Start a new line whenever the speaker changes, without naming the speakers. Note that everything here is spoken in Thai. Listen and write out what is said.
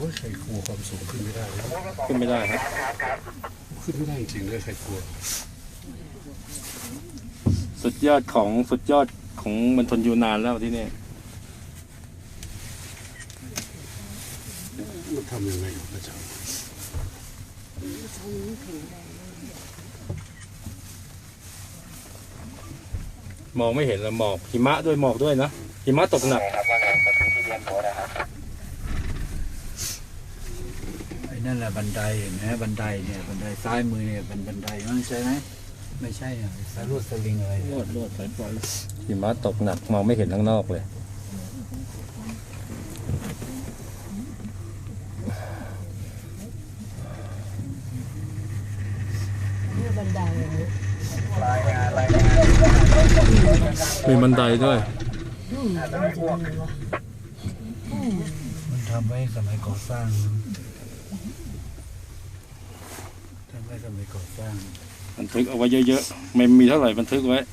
ยใครกลัวความสูงขึ้นไม่ได้เลย
ขึ้นไม่ได้ครับ
ขึ้นไม่ได้จริงๆเลยใครกลัว
สุดยอดของมณฑลยูนานแล้วที่นี่
มันทำยังไงอยู่พระเจ้าม
องไม่เห็นแล้วหมอกหิมะด้วยหมอกด้วยนะหิมะตกหนัก
ไอ้นั่นแหละบันไดเห็นไหมบันไดเนี่ยบันไดซ้ายมือเนี่ยเป็นบันไดมันใช่ไหมไม่ใช่อ่ะสายลวดสลิงอะไร
ลวดสายไฟหิมะตกหนักมองไม่เห็นข้างนอกเลยมีบันไดด้วย
มันทำไว้สมัยก่อสร้างทำไว้สมัยก่อสร้าง
บันทึกเอาไว้เยอะๆไม่มีเท่าไหร่บันทึกไว้